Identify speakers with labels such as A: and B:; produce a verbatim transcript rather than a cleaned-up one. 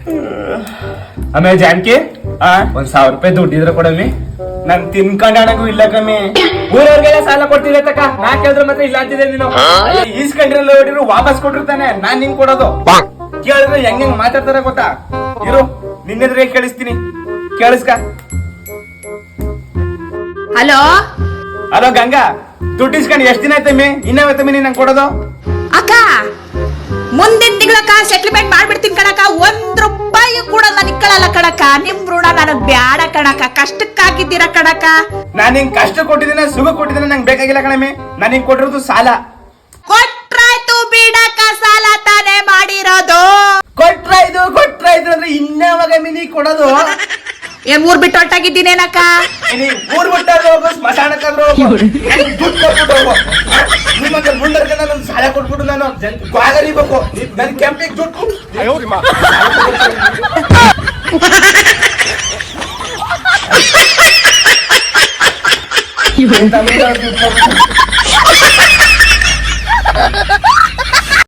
A: ಆಮೇಲೆ ಜಾನ್ಕಿ ಒಂದ್ ಸಾವಿರ ರೂಪಾಯಿ ದುಡ್ಡಿದ್ರೆ ಕೊಡಮ್ಮಿ, ನನ್ ತಿನ್ಕೊಂಡಣಗೂ ಇಲ್ಲ ಕಮ್ಮಿ. ಊರವ್ರಿಗೆಲ್ಲ ಸಾಲ ಕೊಡ್ತಿದ್ದೆ ತಕ್ಕ, ನಾ ಕೇಳಿದ್ರೆ ಮತ್ತೆ ಇಲ್ಲ ಅಂತಿದ್ದೆ ನೀನು. ಈಸ್ಕೊಂಡ್ರಲ್ಲ ಹೊಡಿರು ವಾಪಸ್ ಕೊಟ್ಟಿರ್ತಾನೆ, ನಾನ್ ನಿಂಗ್ ಕೊಡೋದು. ಕೇಳಿದ್ರೆ ಹೆಂಗ್ ಹೆಂಗ್ ಮಾತಾಡ್ತಾರ ಗೊತ್ತಾ? ಇರು ನಿನ್ನೆದ್ರೆ ಕೇಳಿಸ್ತೀನಿ, ಕೇಳಿಸ್ಕ.
B: ಹಲೋ
A: ಹಲೋ ಗಂಗಾ, ದುಡ್ಡು ಇಸ್ಕೊಂಡು ಎಷ್ಟ್ ದಿನ ಆಯ್ತಮ್ಮಿ? ಇನ್ನಾವತ್ತಮ್ಮಿ ನೀನ್ ನಂಗೆ ಕೊಡೋದು?
B: ಅಕ್ಕ ಮುಂದಿನ ತಿಂಗಳಕ್ಕ ಸೆಟ್ಲ್ಮೆಂಟ್ ಮಾಡ್ಬಿಡ್ತೀನಿ ಕಣಕ್ಕ. ಒಂದ್ ರೂಪಾಯಿ ಕೂಡ ನಾನು ಇಕ್ಕಳಲ್ಲ ಕಣಕ್ಕ. ನಿಮ್ ಋಣ ನನಗ್ ಬ್ಯಾಡ ಕಣಕ್ಕ, ಕಷ್ಟಕ್ಕಾಗಿದ್ದೀರ ಕಣಕ್ಕ.
A: ನಾನ್ ಹಿಂಗ್ ಕಷ್ಟ ಕೊಟ್ಟಿದ್ದೀನಿ, ಸುಖ ಕೊಟ್ಟಿದ್ದೀನಿ, ನಂಗೆ ಬೇಕಾಗಿಲ್ಲ ಕಣಮ್ಮಿ. ನಾನ್ ಹಿಂಗ್ ಕೊಟ್ಟಿರೋದು ಸಾಲ.
B: ಕೊಟ್ರಾಯ್ತು ಬಿಡಕ್ಕ, ಸಾಲ ತಾನೇ ಮಾಡಿರೋದು.
A: ಕೊಟ್ರಾಯ್ತು ಕೊಟ್ರಾಯ್ತು ಅಂದ್ರೆ ಇನ್ನಾವಾಗಮ್ಮಿ ನೀ ಕೊಡೋದು?
B: ಏನ್ ಊರ್ ಬಿಟ್ಟು ಹೊರಟಾಗಿದ್ದೀನೇನಕ್ಕ?
A: ನೀ ಊರ್ ಬಿಟ್ಟಾದ್ರೂ ಹೋಗು, ಸ್ಮಶಾನಕ್ಕಾದ್ರೂ ಹೋಗು, ದುಡ್ಡು ಕೊಟ್ಬಿಟ್ಟು ಹೋಗು. ನಿಮ್ಮಂತ ಮುಂದರ್ಗೆ ನಾನು ಸಾಲ ಕೊಟ್ಬಿಟ್ಟು ನಾನು ಬೇಕು, ನನ್ ಕೆಂಪಿಗೆ ದುಡ್ಡು
C: You